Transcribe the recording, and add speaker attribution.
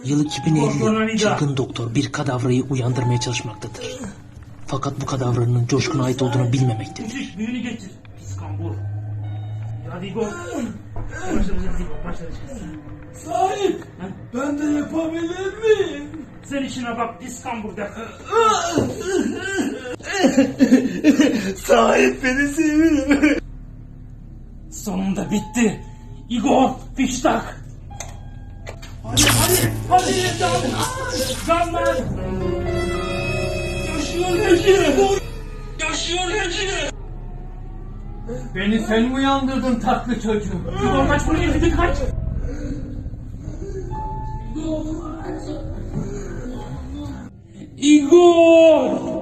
Speaker 1: Yıl 2050. Çılgın doktor bir kadavrayı uyandırmaya çalışmaktadır. Fakat bu kadavranın Coşkun'a ait olduğunu bilmemektedir.
Speaker 2: Müthiş, büyünü getir. Pis kambur. Hadi İbo. Başlayacağız İbo, başlayacağız.
Speaker 3: Sahip, ben de yapabilir miyim?
Speaker 2: Sen işine bak, pis kambur de.
Speaker 3: Sahip beni seviyor.
Speaker 2: Sonunda bitti. Igor, fiştak. Hadi, canlar. Yaşıyor Hacı.
Speaker 4: Beni sen mi uyandırdın tatlı çocuğum?
Speaker 2: Igor kaç buraya, hadi kaç. Igor!